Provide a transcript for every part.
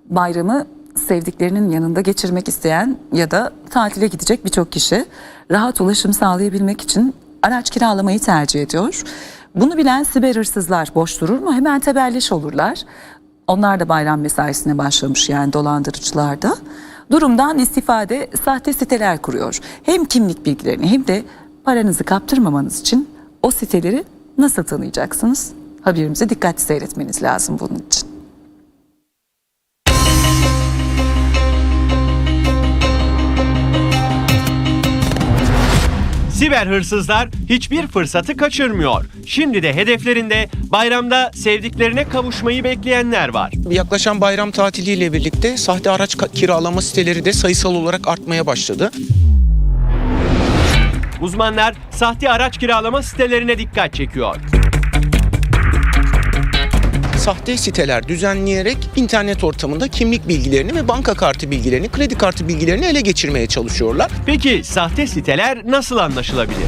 Bayramı sevdiklerinin yanında geçirmek isteyen ya da tatile gidecek birçok kişi rahat ulaşım sağlayabilmek için araç kiralamayı tercih ediyor. Bunu bilen siber hırsızlar boş durur mu? Hemen tebelleş olurlar. Onlar da bayram mesaisine başlamış, yani dolandırıcılar da. Durumdan istifade sahte siteler kuruyor. Hem kimlik bilgilerini hem de paranızı kaptırmamanız için o siteleri nasıl tanıyacaksınız? Haberimizi dikkatli seyretmeniz lazım bunun için. Siber hırsızlar hiçbir fırsatı kaçırmıyor. Şimdi de hedeflerinde bayramda sevdiklerine kavuşmayı bekleyenler var. Yaklaşan bayram tatiliyle birlikte sahte araç kiralama siteleri de sayısal olarak artmaya başladı. Uzmanlar sahte araç kiralama sitelerine dikkat çekiyor. Sahte siteler düzenleyerek internet ortamında kimlik bilgilerini ve banka kartı bilgilerini, kredi kartı bilgilerini ele geçirmeye çalışıyorlar. Peki sahte siteler nasıl anlaşılabilir?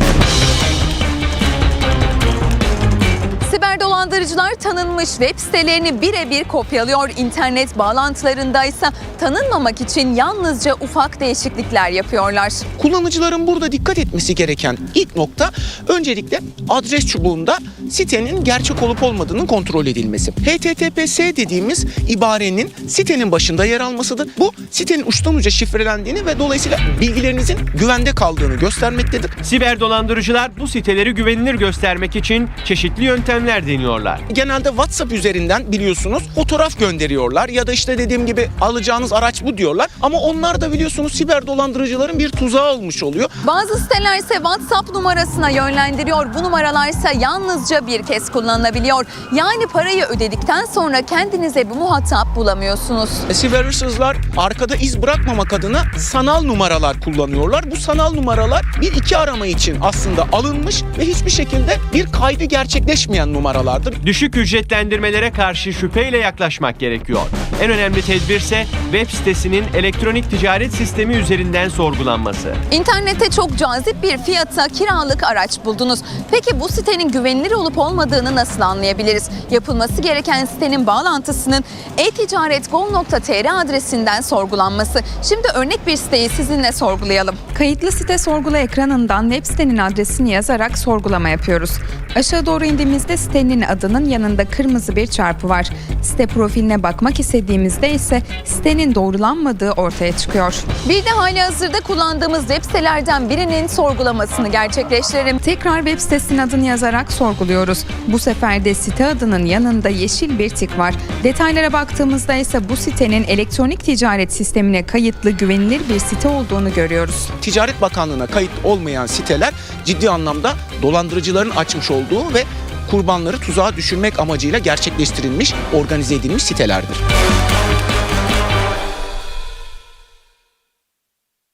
Siber dolandırıcılar tanınmış web sitelerini birebir kopyalıyor. İnternet bağlantılarında ise tanınmamak için yalnızca ufak değişiklikler yapıyorlar. Kullanıcıların burada dikkat etmesi gereken ilk nokta öncelikle adres çubuğunda sitenin gerçek olup olmadığının kontrol edilmesi. HTTPS dediğimiz ibarenin sitenin başında yer almasıdır. Bu sitenin uçtan uca şifrelendiğini ve dolayısıyla bilgilerinizin güvende kaldığını göstermektedir. Siber dolandırıcılar bu siteleri güvenilir göstermek için çeşitli yöntemler deniyorlar. Genelde WhatsApp üzerinden biliyorsunuz fotoğraf gönderiyorlar ya da işte dediğim gibi alacağınız araç bu diyorlar. Ama onlar da biliyorsunuz siber dolandırıcıların bir tuzağı olmuş oluyor. Bazı siteler ise WhatsApp numarasına yönlendiriyor. Bu numaralar ise yalnızca bir kez kullanılabiliyor. Yani parayı ödedikten sonra kendinize bir muhatap bulamıyorsunuz. Siber hırsızlar arkada iz bırakmamak adına sanal numaralar kullanıyorlar. Bu sanal numaralar bir iki arama için aslında alınmış ve hiçbir şekilde bir kaydı gerçekleşmeyen numaralardır. Düşük ücretlendirmelere karşı şüpheyle yaklaşmak gerekiyor. En önemli tedbir ise web sitesinin elektronik ticaret sistemi üzerinden sorgulanması. İnternette çok cazip bir fiyata kiralık araç buldunuz. Peki bu sitenin güvenilir olup olmadığını nasıl anlayabiliriz? Yapılması gereken sitenin bağlantısının e-ticaret.gov.tr adresinden sorgulanması. Şimdi örnek bir siteyi sizinle sorgulayalım. Kayıtlı site sorgula ekranından web sitenin adresini yazarak sorgulama yapıyoruz. Aşağı doğru indiğimizde sitenin adının yanında kırmızı bir çarpı var. Site profiline bakmak istediğimizde ise sitenin doğrulanmadığı ortaya çıkıyor. Bir de halihazırda kullandığımız web sitelerden birinin sorgulamasını gerçekleştirelim. Tekrar web sitesinin adını yazarak sorguluyoruz. Bu sefer de site adının yanında yeşil bir tik var. Detaylara baktığımızda ise bu sitenin elektronik ticaret sistemine kayıtlı güvenilir bir site olduğunu görüyoruz. Ticaret Bakanlığı'na kayıt olmayan siteler ciddi anlamda dolandırıcıların açmış olduğu ve kurbanları tuzağa düşürmek amacıyla gerçekleştirilmiş, organize edilmiş sitelerdir.